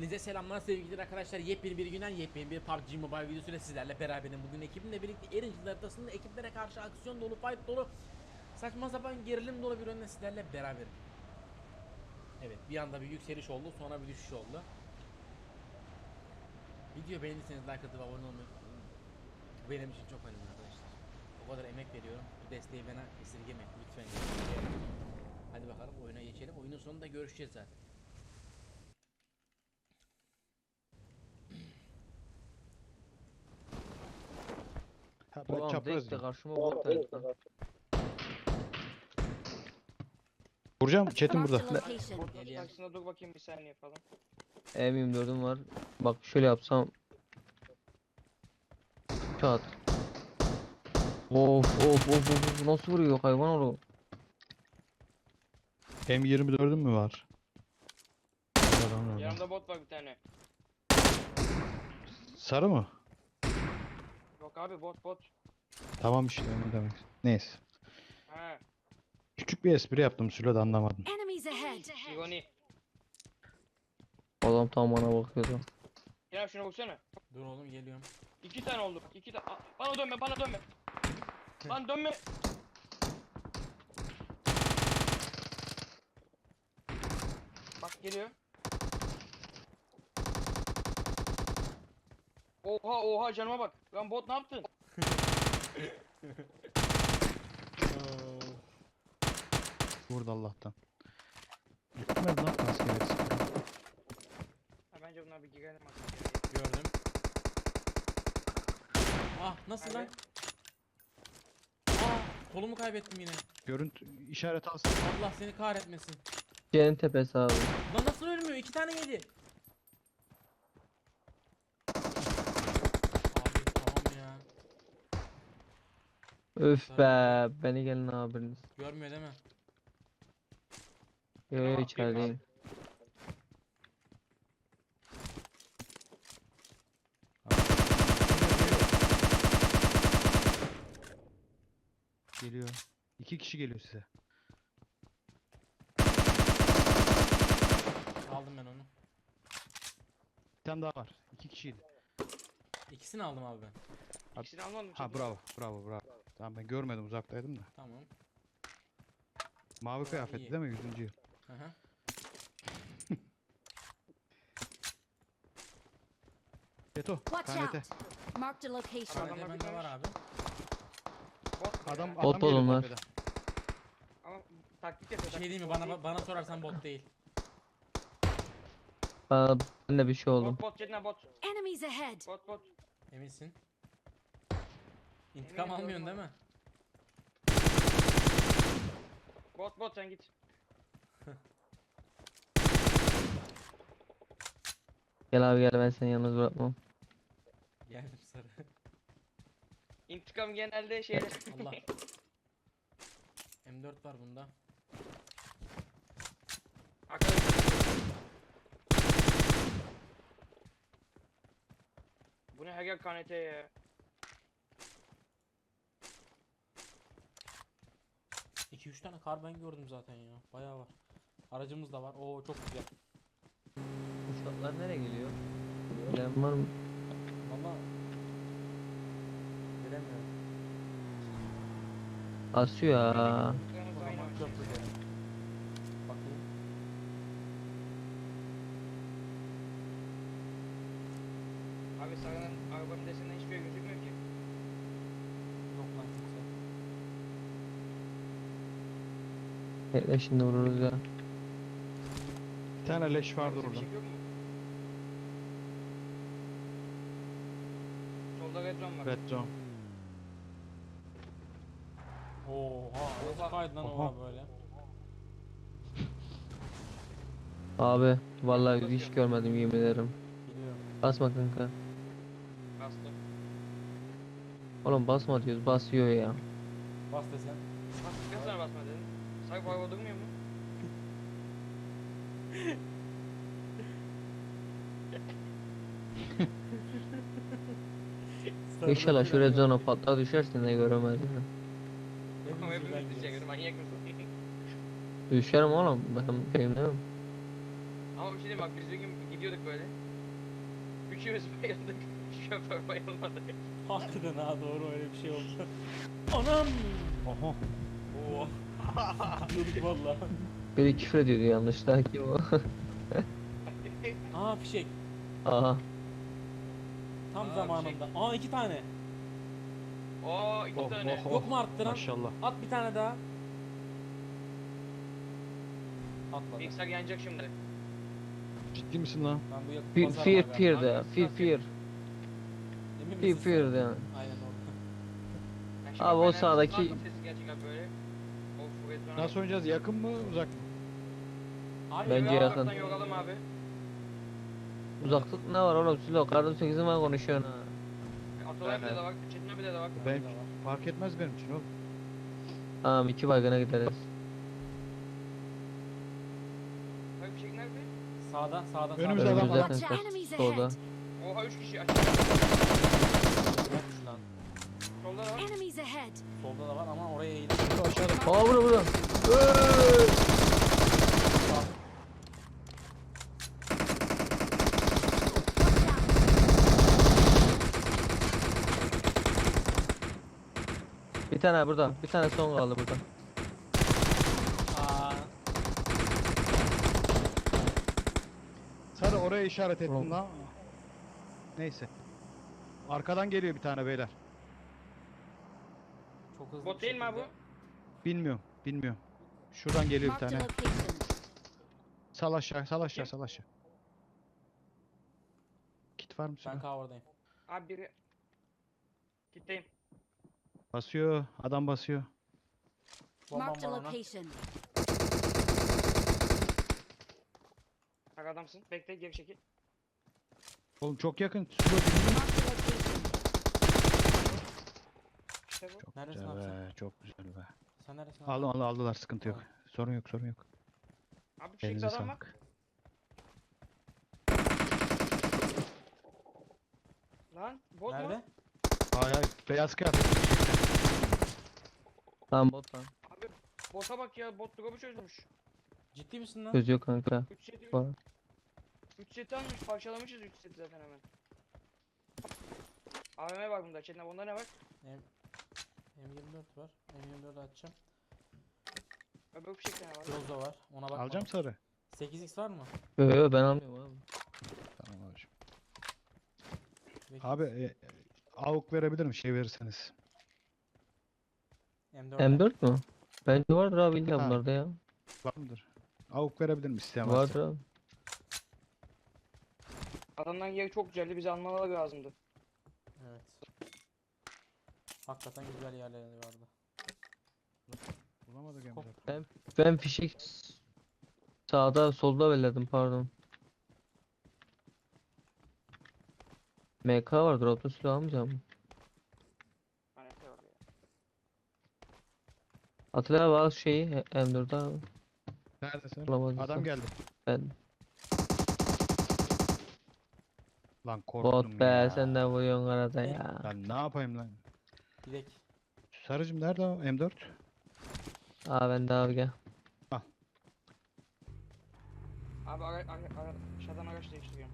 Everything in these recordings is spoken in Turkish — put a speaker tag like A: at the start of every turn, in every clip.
A: Hepinize selamlar sevgili arkadaşlar. Yepyeni bir günden yepyeni bir PUBG Mobile videosuyla sizlerle beraberim. Bugün ekibimle birlikte Erincil haritasında ekiplere karşı aksiyon dolu, fight dolu, saçma sapan gerilim dolu bir oyunla sizlerle beraberim. Evet, bir anda bir yükseliş oldu, sonra bir düşüş oldu. Video beğendiyseniz like atıp abone olmayı unutmayın. Bu benim için çok önemli arkadaşlar. O kadar emek veriyorum. Bu desteği bana esirgemeyin lütfen. Hadi bakalım oyuna geçelim. Oyunun sonunda görüşeceğiz zaten.
B: Ha, ben
C: Ulan
B: çapraz
C: direkt de
B: mıyım?
C: karşıma bot geldi lan.
B: Vuracağım Çetin burada.
D: Marked a location.
E: Botun
A: Geliyor.
E: karşısında dur bakayım bir saniye falan.
C: M24'üm var. Bak şöyle yapsam. Çat. Of. Nasıl vuruyor hayvan oğlu?
B: M24'ün mü var? Adam orada.
E: Yanımda bot var bir tane.
B: Sarı mı?
E: Yok abi bot.
B: Tamam işte onu demek. Neyse.
E: Ha,
B: Küçük bir espri yaptım Sülo da anlamadın.
D: Enemies ahead.
E: Sigoni.
C: Adam tam bana bakıyordu.
E: Kerem şuna vursana.
A: Dur oğlum geliyorum.
E: 2 tane oldu. 2 tane. Bana dönme. Lan dönme. Bak geliyor. Oha canıma bak. Lan bot ne yaptın?
B: Vurdu Allah'tan. Gitmedi lan askeriyet.
E: Ha, bence bunlar bir girelim aslında.
A: Gördüm. Ah nasıl lan?
E: Nerede?
A: Kolumu kaybettim yine.
B: Görüntü işaret alsın.
A: Allah seni kahretmesin.
C: C'nin tepesi abi.
A: Lan nasıl ölmüyor? 2 tane yedi. Abi tamam ya.
C: Öf be. Beni gelin abiniz.
A: Görmüyor değil mi?
C: Yo içerideyim.
B: Geliyor. 2 kişi geliyor size.
A: Aldım ben onu.
B: Bir tane daha var. 2 kişiydi.
A: İkisini aldım abi ben.
E: İkisini almadım.
B: Ha bravo. Tamam ben görmedim uzaktaydım da.
A: Tamam.
B: Mavi
A: iyi.
B: kıyafetli değil mi 100. yıl?
A: Hı hı.
B: Beto.
D: Watch
B: KNT.
D: out. Marked a location.
E: Adamlar
A: Bende
E: bir
A: bende var
E: tane-
A: abi.
E: Bot.
B: Adam
C: Bot
B: adam geliyor
C: onlar.
B: tepeden.
E: Ama taktik
A: Bir
E: yapıyor.
A: şey değil mi?
E: taktik.
A: Bana sorarsan bot değil.
C: Ben de bir şey oldum.
E: Bot Cedna bot.
D: Enemies ahead.
E: Bot.
A: Eminsin? İntikam
E: Eminim,
A: almıyorsun
E: gördüm
A: değil mi?
E: Bot sen git.
C: Gel abi gel ben seni yalnız bırakmam.
A: Geldim sarı.
E: İntikam genelde şeyler.
A: Allah. M4 var bunda.
E: Arkadaşlar. Bu ne her yer KNT ya.
A: 2-3 tane kar ben gördüm zaten ya. Bayağı var. Aracımız da var. Oo çok güzel.
C: Uçaklar nereye geliyor? Bilen var mı?
A: Valla bilemiyorum.
C: Asıyor ya.
E: Kırmızı
A: O
E: aynı
A: zaman
E: var.
A: köprü derim. Bakayım.
E: Abi sarının arabanın desinden hiçbir yer gözükmüyor ki.
A: Yok lan kimse.
C: Bekle şimdi vururuz ya.
B: Bir tane leş vardı
E: Abi, bir
B: orada.
E: şey yok mu? Solda red zone var.
B: Red zone.
A: Oha. Nasıl
E: Oha.
A: kaydı lan
B: Oha.
A: oha böyle?
C: Abi vallahi hiç görmedim yemin ederim.
A: Biliyorum.
C: Basma kanka.
E: Bastı.
C: Oğlum basma diyoruz basıyor ya.
A: Bas desen.
E: Kaç tane basma dedin? Sanki bu araba durmuyor mu?
C: İnşallah şu red zone'a patlar düşersin de göremez ya.
E: Ama hepimiz diyecek. Manyak mısın?
C: Düşerim oğlum ben benim değil mi?
E: Ama bir şey diyeyim bak biz bir gün gidiyorduk böyle. Üçümüz bayıldık. Şoför bayılmadı.
A: Hakikaten ha, doğru, öyle bir şey oldu. Anam!
B: Oho.
E: Oo.
A: Diyorduk valla.
C: Biri küfür ediyordu yanlışlıkla ki o.
A: Aa, fişek.
C: Aha.
A: Tam
E: Aa,
A: zamanında. Aa, 2 tane.
E: Oo iki
B: Oh,
E: tane.
B: oh, oh.
A: Yok mu arttıran?
B: Maşallah.
A: At bir tane daha. Atmadı.
E: Bilgisayar yanacak şimdi.
B: Ciddi misin lan?
A: Ben bu yakın
C: Fear,
A: pazar
C: fear,
A: var
C: fear
A: galiba.
C: de. Fear, fear.
A: Emin
C: Fear,
A: misin
C: fear
A: sen?
C: de.
A: Aynen orada.
E: Yani şimdi
C: Abi o
E: Fener
C: sağdaki-
E: kulaklık sesi gelecek abi böyle. Of bu
B: Nasıl oynayacağız? Yakın mı uzak mı?
A: Abi
C: Bence
A: ya,
C: yakın.
E: Uzaktan yoralım abi.
C: Uzaklık ne var oğlum? Silo kardım 8'in var konuşuyorsun ha.
E: Atalay
B: Ben-
E: bir de var. Çetin abi de var.
B: Ben fark etmez benim için oğlum.
C: Tamam 2 baygına gideriz.
E: Abi bir şey nerede?
A: Sağda, sağda,
B: Önümüzde
A: sağda.
B: adam
C: Önümüzde
B: var.
D: Watch
C: zaten
D: your enemies
C: solda.
D: ahead.
E: Oha 3 kişi aç.
A: Yokmuş lan.
E: Solda da var.
D: Enemies ahead.
A: Solda da var ama oraya eğil.
B: Beto aşağıda.
C: Aa burada. Hey! Bir tane burada. Bir tane son kaldı burada.
A: Aa,
B: Sarı oraya işaret ettim
C: Oğlum.
B: lan. Neyse. Arkadan geliyor bir tane beyler.
A: çok hızlı
E: Bot
A: bir
E: değil mi abi
A: şekilde.
B: Bilmiyorum. Bilmiyorum. Şuradan geliyor bir
D: Marked a
B: tane.
D: location.
B: Sal aşağı, sal aşağı, sal aşağı. Kit var mı?
A: Ben
B: Sülo?
A: cover'dayım.
E: Abi biri. Gitteyim.
B: Basıyor. Adam basıyor.
A: Bombam
D: Marked a
A: var ona.
D: location.
E: Bak adamsın. Bekle geri çekil.
B: Oğlum çok yakın. Sülo dibinde.
D: Marked a location.
E: İşte bu.
B: Çok
A: Neredesin
B: güzel
A: abi sen?
B: be. Çok güzel be.
A: Sen neresin abi?
B: Aldılar sıkıntı yok.
A: Tamam.
B: Sorun yok, sorun yok.
E: Abi bir
B: Elinize
E: adam var.
B: sağlık.
E: Lan bot
A: Nerede?
E: mu?
B: Hayır hayır. Beyaz kıyafet.
C: Tamam bot lan.
E: Abi bota bak ya. Bot drop'u çözmüş.
A: Ciddi misin lan?
C: Çözüyor kanka.
E: 3 seti
C: Var.
E: 3 seti almış. Parçalamışız 3 seti zaten hemen. AVM var bunda. Çetin abi bunda ne var?
A: M24 var. M24'ü açacağım.
E: Öbür bir şey ne var?
A: Groza var. Ona bakmadım.
B: Alacağım sarı.
A: 8x var mı?
C: Yo yo ben almıyorum abi.
B: Tamam abiciğim.
A: Peki.
B: Abi AUK verebilirim şey verirseniz.
A: M4.
C: M4 mü? Bence vardır abi illa
B: Ha.
C: bunlarda ya.
B: Var mıdır? AUK verebilirim isteyen varsa.
C: Vardır abi.
E: Adamdan yeri çok güzeldi. Bizi almaları lazımdı.
A: Evet. Hakikaten güzel yerleri vardı.
B: Bulamadık
A: Hop.
B: Emre.
C: Ben fişek sağda solda belirledim pardon. MK vardır auto silah almayacağım.
E: Hani ne var ya?
C: Atilla abi al şeyi M4'ü abi.
B: Neredesin?
C: Bulamadıysan.
B: Adam geldi.
C: Ben
B: Lan korktum
C: bot be
B: ya.
C: sen de vuruyorsun arada ya.
B: Ben ne yapayım lan?
A: Direkt.
B: Sarıcım nerede o M4?
C: Aa ben de abi gel.
E: Abi aşağıdan araç değiştiriyorum.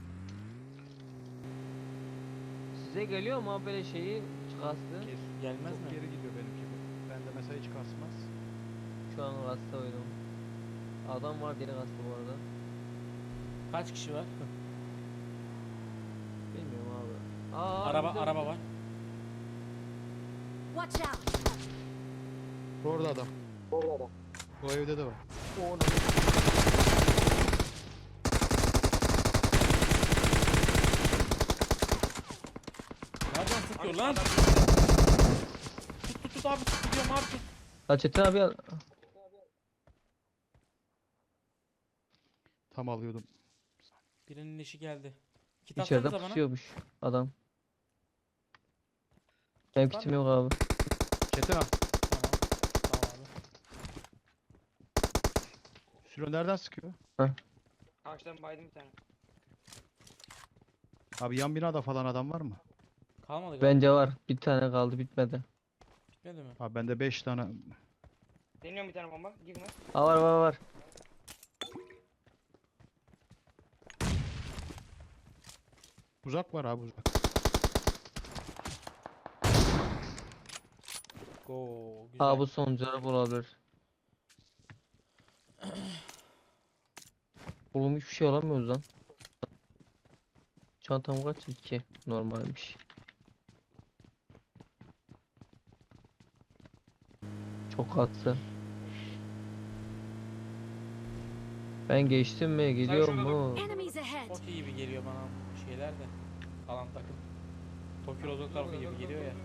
C: Size geliyor mu abi böyle şeyi kastı?
A: Gelmez
B: Çok
A: mi?
B: geri gidiyor benimki bu. Bende mesela hiç kasmaz.
C: Şu an kasta oyunu. Adam var diye kastı bu arada.
A: Kaç kişi var?
C: Bilmiyorum abi. Aa,
A: araba
C: önümüzde,
A: araba
C: önümüzde.
A: var.
D: Watch out.
B: Orada adam. Bu evde de var.
A: Nereden sıkıyor
E: Abi
A: lan?
E: adam-
A: Tut abi, tut, gidiyorum abi, tut.
C: Ha Çetin abi al.
B: Tam alıyordum.
A: Birinin işi geldi. Kit
C: İçeride
A: atsanıza bana.
C: pusuyormuş adam. Benim
A: Var
C: kitim
A: mı?
C: yok abi.
B: Çetin al.
A: Tamam. Tamam abi.
B: Sülo nereden sıkıyor?
E: Ağaçtan baydım bir tane.
B: Abi yan binada falan adam var mı?
A: Kalmadı galiba.
C: Bence var. Bir tane kaldı bitmedi.
A: Bitmedi mi?
B: Abi bende 5 tane.
E: Deniyorum bir tane bomba. Girme.
C: Aa var var var.
B: Uzak var abi uzak.
A: Go. Güzel.
C: Aa bu sonuncu araba olabilir. Oğlum hiçbir şey alamıyoruz lan. Çantam kaç? 2. Normalmiş. Çok atsa. Ben geçtim mi? Gidiyor
E: şurada dur.
C: mu?
D: Enemies ahead.
A: Çok iyi gibi geliyor bana bu şeyler de. Kalan takım. Tokyo Rozo tarafı gibi geliyor ya.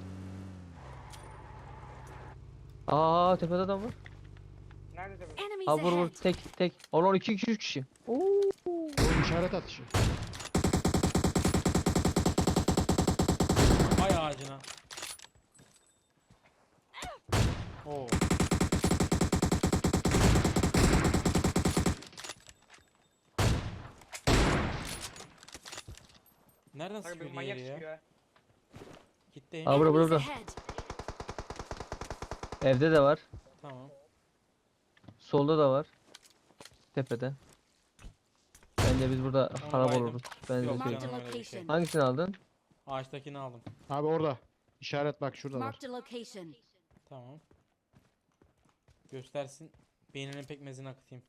C: Aa tepede adam var.
E: Nerede tabii?
D: Enemies
C: Ha vur vur
D: ahead.
C: tek. Olan 2 kişi 3 kişi. Oo.
B: Oğlum işaret atışı.
A: Ay ağacına. Oo. Nereden
E: Kanka
A: sıkıyor
E: bir manyak
A: diğeri ya?
E: çıkıyor ha.
A: Gitti.
C: Aa burada
D: Enemies
C: burada.
D: ahead.
C: Evde de var.
A: Tamam.
C: Solda da var. Tepede. Bence biz burada harap
A: baydım.
C: oluruz. Ben
A: Yok,
C: size
D: Marked a
C: söyleyeyim.
A: canım öyle bir şey.
D: location.
C: Hangisini aldın?
A: Ağaçtakini aldım.
B: Abi orada. İşaret bak şurada var.
D: Marked a location.
A: Tamam. Göstersin. Beyninin pekmezini akıtayım.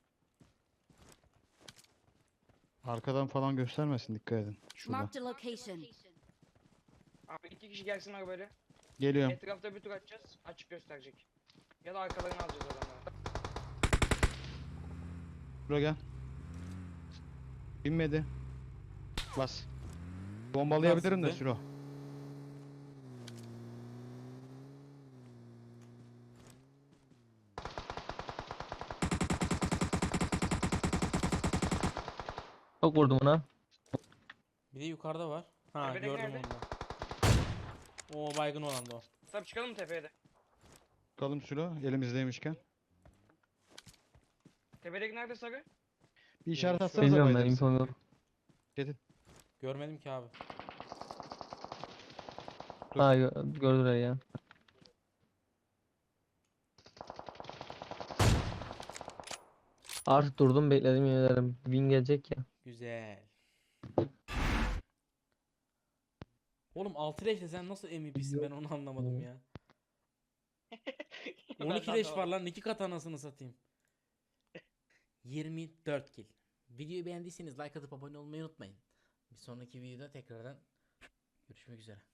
B: Arkadan falan göstermesin, dikkat edin. Şurada.
D: Marked a location.
E: Abi 2 kişi gelsin arabayla.
B: Geliyorum.
E: Etrafta bir tur atacağız. Açık gösterecek. Ya da arkalarını alacağız adamları.
B: Buraya gel. Binmedi. Bas. Bombalayabilirim de
A: Nasıldı?
B: Sülo.
C: Çok vurdum ona.
A: Bir de yukarıda var. Ha
E: Tepedeki
A: gördüm
E: nerede?
A: onu. O baygın olan da o.
E: Tabii çıkalım mı tepeye de?
B: Bakalım Sülo elimizdeymişken.
E: Tepedeki nerede sarı?
B: Bir işaret
A: Şu-
B: atsanıza
C: Bilmiyorum ben
B: bayılırsa.
C: infom yok.
B: Gidin.
A: Görmedim ki abi.
B: Dur.
C: Ha gördüler ya. Artık durdum bekledim yemin ederim. Win gelecek ya.
A: Güzel. Oğlum 6 leşle sen nasıl MVP'sin ben onu anlamadım ya. 12 leş var lan 2 kat anasını satayım. 24 kill. Videoyu beğendiyseniz like atıp abone olmayı unutmayın. Bir sonraki videoda tekrardan görüşmek üzere.